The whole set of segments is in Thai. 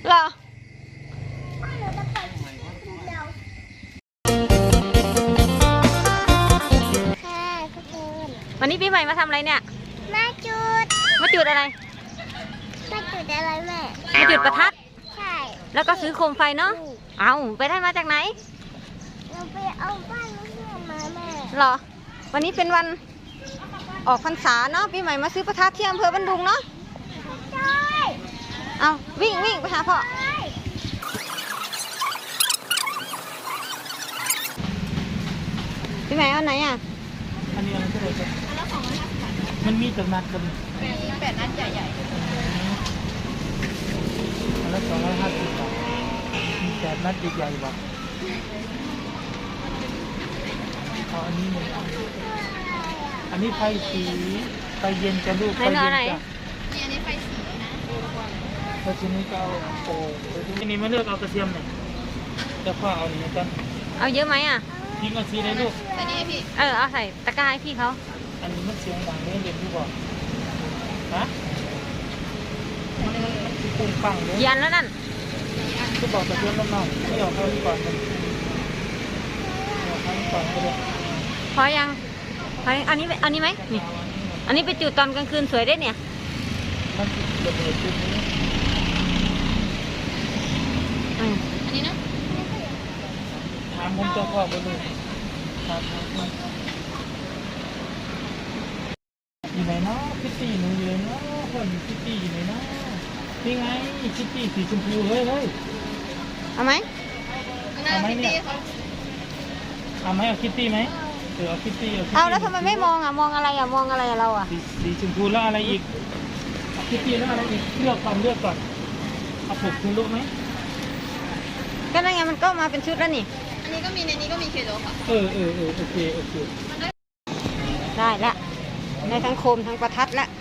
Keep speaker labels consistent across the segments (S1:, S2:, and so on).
S1: เหรอวันนี้ปีใหม่มาทำอะไรเนี่ย
S2: มาจุด
S1: มาจุดอะไร
S2: มาจุดอะไรแม่
S1: มาจุดประทัด
S2: ใช่
S1: แล้วก็ซื้อโคมไฟเนาะเอาไปได้มาจากไหน
S2: เราไปเอาบ้านเพื่อนมาแม่
S1: เหรอวันนี้เป็นวันออกพรรษาเนาะปีใหม่มาซื้อประทัดที่อำเภอบันดุงเนาะ
S2: ใช่
S1: เอาวิ่งไปหาพ่อปีใหม่เอาไหนอ่ะ
S3: อันนี้อะไรก็ได้ครับมันมีแต่นัดกัน
S1: 8 นัดใหญ่
S3: อันละ250 บาทมี8 นัดใหญ่ๆบ่เอาอันนี้1 อันนี้ไฟสีไฟเย็นจะลูกไฟเย็นจ้ะ
S1: นี่
S3: อันนี้ไฟสีนะแล้วทีนี้ก็เอาโอ่งทีนี้มาเลือกเอากระเทียมหน่อยแล้วก็เอานี้กัน
S1: เอาเยอะไหมอ่ะ
S3: ทิ้งเอาสีได้ลูก
S1: ใส่นี่ให้พี่เอาใส่ตะกร้าให้พี่เขา
S3: อันนี้มันเสียงดังเลยเรียนที่บอกฮะมันปุ้งปังเลย
S1: ยันแล้วนั่น
S3: ก็บอกกระเทียมน้องๆไม่เอาเข้านี่ก่อนมันเอาเข้านี่ก่อนก็เลย
S1: พอยังอันนี้ไหมนี่อันนี้ไปจุดตอนกลางคืนสวยได้เนี่ย
S3: มันระเบิดจุดนี้
S1: อันนี้นะ
S3: ถามผมจะพ่อบนเลยครับอยู่ไหนเนาะคิตตี้หนูอยู่ไหนเนาะคนคิตตี้อยู่ไหนเนาะนี่ไงคิตตี้สีชมพูเฮ้ย
S1: เอาไหม
S3: เอาไหมเนี่ยเอาไหมเอาคิตตี้ไหมเอาคิตตี้
S1: เอาแล้วทำไมไม่มองมองอะไรเรา
S3: สีชมพูแล้วอะไรอีกเอาคิตตี้แล้วอะไรอีกเลือกก่อนเอาผูกคุณรู้ไหม
S1: ก็นั่นไงมันก็มาเป็นชุดแล้วนี่
S4: อันนี้ก็มีในนี้ก็มีเคโลค่ะ
S3: โอเค
S1: ได้ละในทั้งโคมทั้งประทัดละ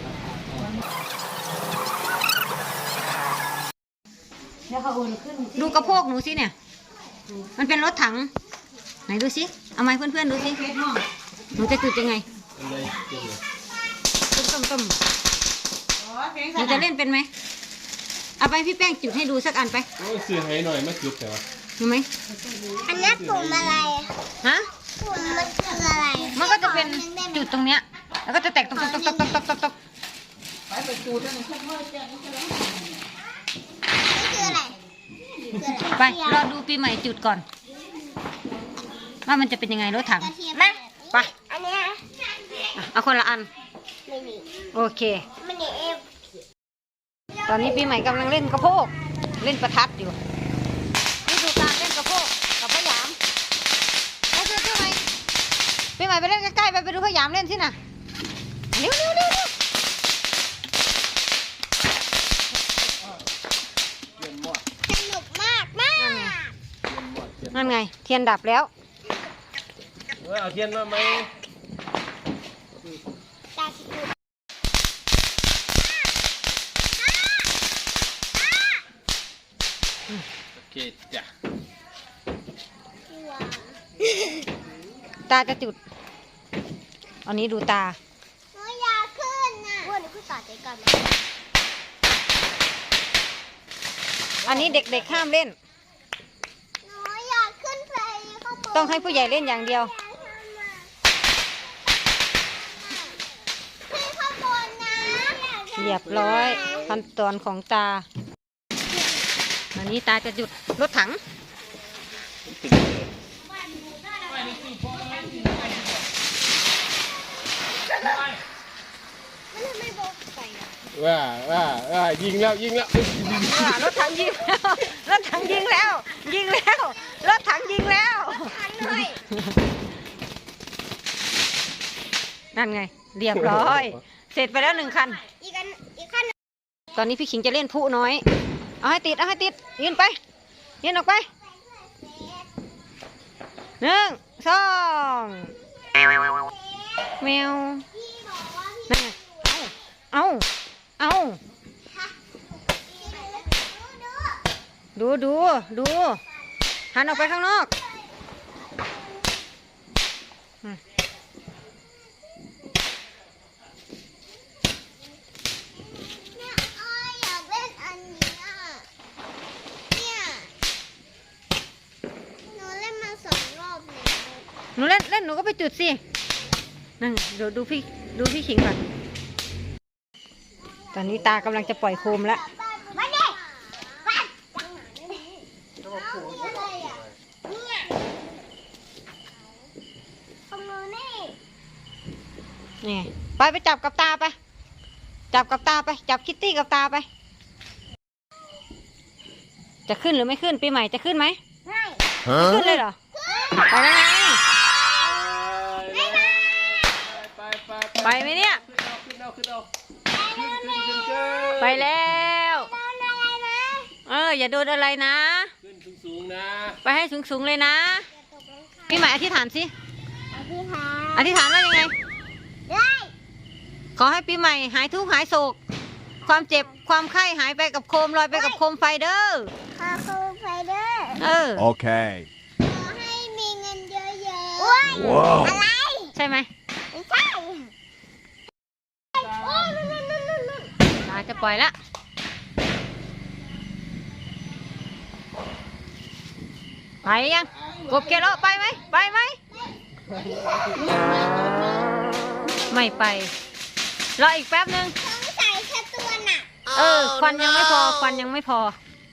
S1: ดูกระโพกหนูสิเนี่ยมันเป็นรถถังไหนดูสิเอาไม้เพื่อนๆดูสิหนูจะจุดยังไงต้มหนูจะเล่นเป็นไหมเอาไปพี่แป้งจุดให้ดูสักอันไป
S5: เสียให้หน่อยไม่จุดแต่ว่า
S1: ดูไหม
S2: อันนี้ปุ่มอะไร
S1: ฮะ
S2: ปุ่มมันคืออะไร
S1: มันก็จะเป็นจุดตรงเนี้ยแล้วก็จะแตกตก
S2: ไปจุดนั่นนี่คืออะไร
S1: ไปรอดูปีใหม่จุดก่อนว่ามันจะเป็นยังไงรถถังนะไป
S2: อันนี้
S1: เอาคนละอันโอเคตอนนี้ปีใหม่กำลังเล่นกระโพกเล่นประทัดอยู่นี่ดูการเล่นกระโพกกับพยามไปดูปีใหม่ไปเล่นใกล้ๆไปดูพยามเล่นสินะเร็ว
S2: สนุกมาก
S1: นั่นไงเทียนดับแล้ว
S5: เอาเทียนมาไหมโอเคจ้ะ
S1: ตาจะจุดอันนี้ดูตา
S2: หนูอยากขึ้นนะว่าหนูขึ้นต่อใจก่อน
S1: อันนี้เด็กๆห้ามเล่น
S2: หนูอยากขึ้นไป
S1: ต้องให้ผู้ใหญ่เล่นอย่างเดียวเรียบร้อยขั้นตอนของตาอันนี้ตาจะหยุดรถถัง
S5: ว่ายิงแล้ว
S1: รถถังยิงแล้วรถถังยิงแล้วรถถังยิงแล้วนั่นไงเรียบร้อยเสร็จไปแล้ว1 คัน
S2: อีกคัน
S1: ตอนนี้พี่ขิงจะเล่นผู้น้อยเอาให้ติดยืนไปยืนออกไป1 2แมวนั่นไงเอาดูหันออกไปข้างนอกหนูเล่นเล่นหนูก็ไปจุดสินั่นดูพี่ขิงก่อนตอนนี้ตากำลังจะปล่อยโคมแล้ว
S2: มาดิปัดอะไรอ่ะเนี่ยของหนูนี่
S1: นี่ไปจับกับตาไปจับกับตาไปจับคิตตี้กับตาไปจะขึ้นหรือไม่ขึ้นปีใหม่จะขึ้นไหม
S2: ไม่
S1: ไม่ขึ้นเลยเหรอไปแล้วไงไปไหมเนี่ย
S5: ขึ้นเอา
S1: ไปแล้ว
S2: โดนอะไรนะ
S1: อย่าโดนอะไรนะ
S5: ขึ้นสูงๆนะ
S1: ไปให้สูงๆเลยนะปีใหม่อธิษฐานสิ
S2: อธิษฐาน
S1: อธิษฐานว่ายังไง
S2: ได้
S1: ขอให้ปีใหม่หายทุกข์หายโศกความเจ็บความไข้หายไปกับโคมลอยไปกับโคมไฟเด้อ
S2: ขอคุณไฟเดอร์
S6: Okay.
S2: ขอให้มีเงินเยอะๆว้าวอะไร
S1: ใช่ไหม
S2: ไม่ใช่โอ้นู่น
S1: ตาจะปล่อยละไปยังกบเกโลไปไหมไปไหมไม่ไปรออีกแป๊บนึง
S2: สงสัยแค่ตัวหนัก
S1: ควันยังไม่พอควันยังไม่พอ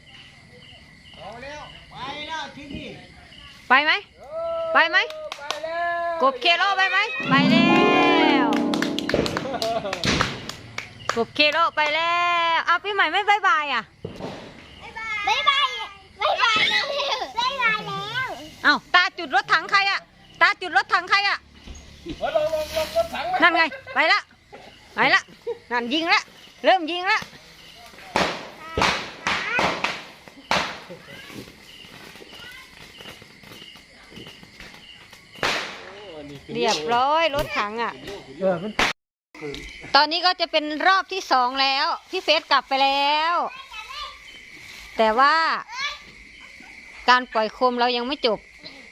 S1: ไปไหมไปไหมกบเคโลไปไหมไปแล้วกบเคโลไปแล้วเอาปีใหม่ไม่บายบายอ่ะ
S2: บ๊ายบายบ๊ายบายแล้วบ๊ายบายแล้ว
S1: เอาตาจุดรถถังใครอ่ะตาจุดรถถังใครอ่ะนั่นไงไปละนั่นยิงละเริ่มยิงละเรียบร้อยรถถังอ่ะ ตอนนี้ก็จะเป็นรอบที่2แล้วพี่เฟสกลับไปแล้ว แต่ว่าการปล่อยโคมเรายังไม่จบ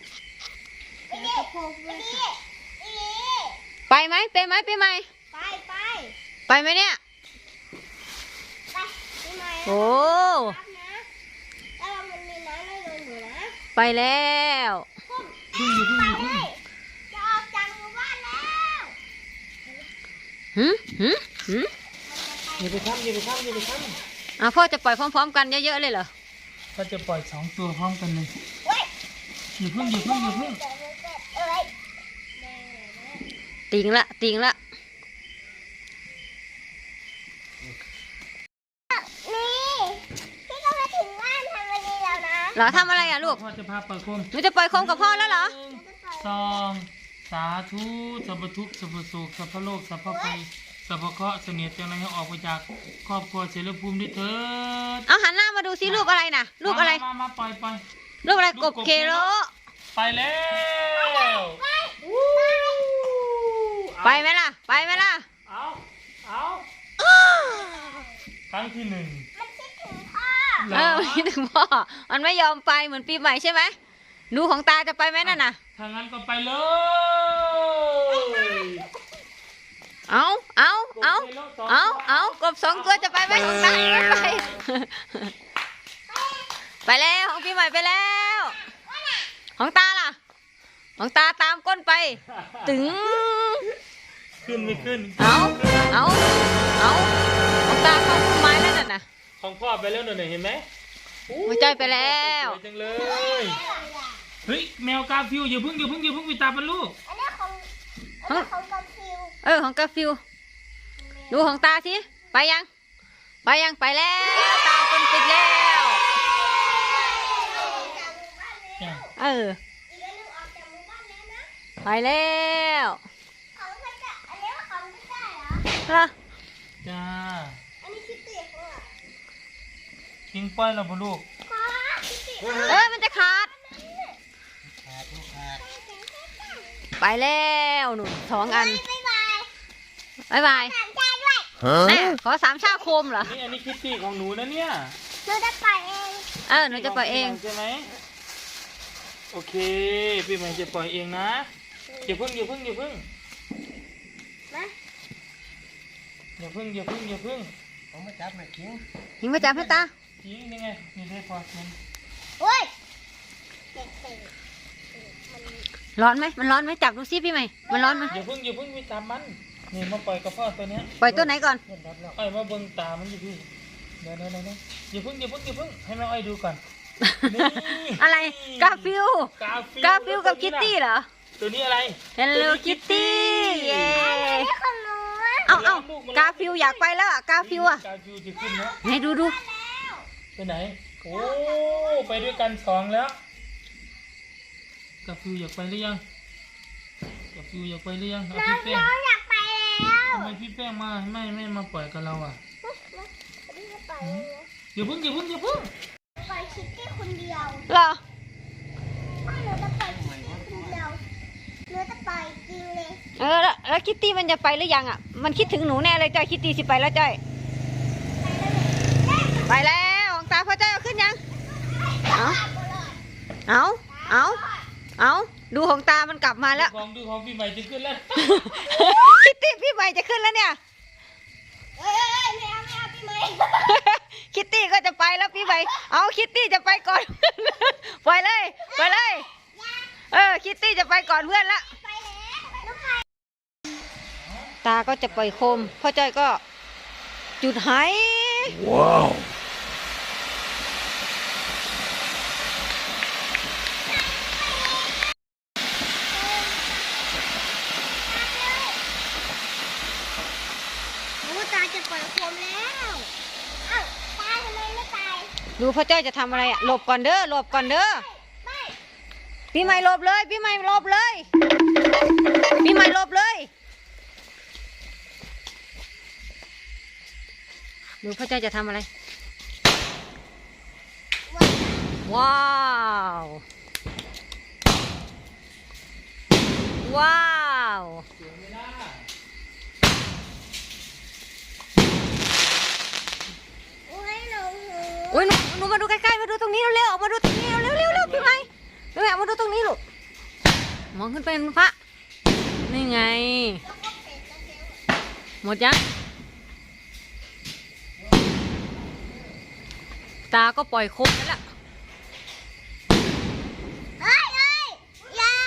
S1: ไปไหมไปไหมไปไหม
S2: ไป
S1: ไปไหมเนี่ย
S2: พี่ไม้
S1: โอ้
S2: รับนะแล้วมันมีน้ำไม่โดนอยู่นะ
S1: ไปแล้ว
S3: พึ่ง
S2: จะออกจากหมู่บ้านแล้ว
S1: หืม
S3: อย่าไปทำ
S1: พ่อจะปล่อยพร้อมๆกันเยอะๆเลยเหรอ
S3: ก็จะปล่อย2 ตัวพร้อมกันเลย
S2: เว้ย
S3: อย่าพึ่ง
S2: เอ้ย
S1: ติงละ
S2: นี่พี่ก็มาถึงบ้านทำอะไรแล้วนะ
S1: เหรอทำอะไรอ่ะลูก
S3: พ่อจะพาปล่อยโคม
S1: หนูจะปล่อยโคมกับพ่อแล้วเหรอ
S3: 2 สาธุสัพพทุกข์สัพพโศกสัพพโลกสัพพภัยสัพพเคราะห์เสนียดจังไรให้ออกไปจากครอบครัวเสรีภูมิด้วยเถิด
S1: เอาหันหน้ามาดูซิรูปอะไรน่ะรูปอะไร
S3: มาปล่อย
S1: รูปอะไรกบเคโล
S3: ไปแล้ว
S1: ไปไหมล่ะ ไปไหมล่ะ
S3: เอาครั้งที่ 1
S2: มันคิดถึงพ่อ
S1: คิดถึงพ่อ มันไม่ยอมไปเหมือนปีใหม่ใช่ไหมดูของตาจะไปไหมนั่นน่ะ
S3: ถ้างั้นก็ไปเลย
S1: เอากบ2 ตัวจะไปไหมของตาไม่ไป ไปแล้วของปีใหม่ไปแล้ว ของตาล่ะ ของตาตามก้นไป ตึง
S3: ขึ้นไม่ขึ้น
S1: เอาของตาเข้าต้นไม้แล้วน่ะ
S3: ของพ่อไปแล้วหน่อยเห็นไหม
S1: หัวใจไปแล้ว
S3: สวยจังเลย เฮ้ยแมวกาฟิวอย่าเพิ่งไปตามมันลูก
S2: อันนี้ของกาฟิว
S1: ของกาฟิวดูของตาสิไปยังไปแล้วตามคนติดแล้ว
S3: จ้ะ
S1: เออ
S2: อีกอันหนึงออกจากหมู่บ้านแล้วนะ
S1: ไปแล้ว
S2: ของพระเจ้าอันนี้ว่าของพระเจ้าเหรอ
S1: ล่ะ
S3: จ้า
S2: อันนี้คิดเตียของเหรอ
S3: ทิ้งป้อยเราบ่ลูก
S2: พ่อคิดเตีย
S1: มันจะขาดไปแล้วหนุน2 อัน
S2: บ๊ายบาย
S1: บาย
S2: ถามใจด้วย
S1: แม่ขอ3 ชาโคมเหรอ
S3: นี่อันนี้คิตตี้ของหนูนะเนี่ย
S2: หนูจะปล่อยเอง
S1: หนูจะปล่อยเอง
S3: ใช่ไหมโอเคพี่ใหม่จะปล่อยเองนะอย่าเพิ่ง
S2: นะ
S3: อย่าเพิ่งผมมาจับหน่อยทิ้ง
S1: หิงมาจับให้ตา
S3: ทิ้งนี่ไงนี่ได้พอทิ้ง
S2: โอ้ย
S1: ร้อนไหมมันร้อนไหมจับดูซิพี่ใหม่มันร้อนไหม
S3: อย่าเพิ่งไปตามมันนี่มาปล่อยกระเพาะตัวเนี้ย
S1: ปล่อยตัวไหนก่อน
S3: เห็นรับแล้วไอ้มาเบิ่งตามันอยู่พี่เดี๋ยวอย่าเพิ่งให้แม่อ้อยดูก่อนนี่
S1: อะไรกาฟิล
S3: กาฟิล
S1: กับคิตตี้เหรอ
S3: ตัวนี้อะไร
S1: Hello Kitty เย้
S2: ไม่คนรู้
S1: เอากาฟิลอยากไปแล้วอ่ะกาฟิลอ่ะ
S3: กาฟิลจะขึ้นแล้ว
S1: ไหนดู
S3: ไปไหนโอ้ไปด้วยกันสองแล้วกาฟิลอยากไปหรือยังกาฟิลอยากไปหรือยังเอาพี่แป้ง
S2: น้องอยากไปแล้ว
S3: ทำไมพี่แป้งมาไม่มาปล่อยกับเราอ่ะ
S2: ไม่ได้ไป
S3: อย่าเพิ่ง
S2: ไปคิดแค่คนเดียว
S1: เหรอ
S2: ไม่หนูจะไปคิดแค่คนเดียวหนูจะไปจริงเลย
S1: แล้วคิตตี้มันจะไปหรือยังอ่ะมันคิดถึงหนูแน่เลยจ้อยคิตตี้สิไปแล้วจ้อยไปแล้วของตาพ่อจ้อยเอาขึ้นยังเอาดูของตามันกลับมาแล้ว
S3: ดูของพี่ใหม่จะขึ้นแล้ว
S1: คิตตี้พี่ใหม่จะขึ้นแล้วเนี่ย
S2: เอ้ยไม่เอาพี่ไหม
S1: คิตตี้ก็จะไปแล้วพี่ใหม่เอาคิตตี้จะไปก่อน ปล่อยเลยคิตตี้จะไปก่อนเพื่อนละ
S2: ไปแล้วลูกใคร
S1: ตาก็จะปล่อยโคมพ่อจ้อยก็จุดไห
S5: ว้าว
S2: โอ้ตาจะปล่อยโคมแล้วอ้าวตาทำไมไม่ตาย
S1: ดูพ่อจ้อยจะทำอะไรอ่ะหลบก่อนเด้อ
S2: ไม่
S1: พี่ใหม่หลบเลยพี่ใหม่หลบเลยดูพ่อจ้อยจะทำอะไร ว้าว
S2: โอ้ยหนู
S1: โอ้ยหนูมาดูใกล้ๆมาดูตรงนี้เร็วๆออกมาดูตรงนี้เร็วๆพี่ใหม่มาดูตรงนี้ลูกมองขึ้นไปบนฟ้านี่ไงหมดยังตาก็ปล่อยโคมนั่นแหละ
S2: เอ้ยอย่า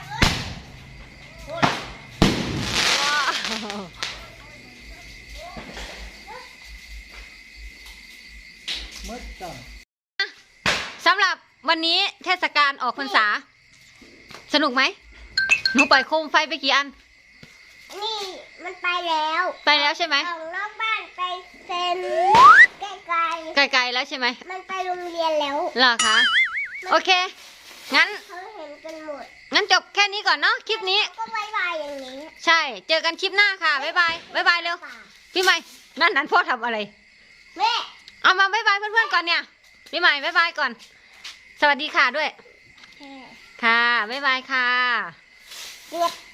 S1: สำหรับวันนี้เทศกาลออกพรรษาสนุกไหมหนูปล่อยโคมไฟไปกี่อัน
S2: นี่มันไปแล้ว
S1: ไปแล้วใช่ไหม
S2: ออกนอกบ้านไปเซ็นไกล
S1: ไกลๆแล้วใช่ไหม
S2: ๆมันไปโรงเรียนแล้ว
S1: เหรอคะโอเคงั้น
S2: เขาเห็นกันหมด
S1: จบแค่นี้ก่อนเนาะคลิปนี้
S2: ก็บายบายอย่างนี้
S1: ใช่เจอกันคลิปหน้าค่ะบ๊ายบายเร็วพี่ใหม่นั่นพ่อทำอะไร
S2: แม่
S1: เอามาบ๊ายบายเพื่อนๆก่อนเนี่ยพี่ใหม่บ๊ายบายก่อน สวัสดีค่ะด้วย ค่ะบ๊ายบายค่ะ
S2: เรียบ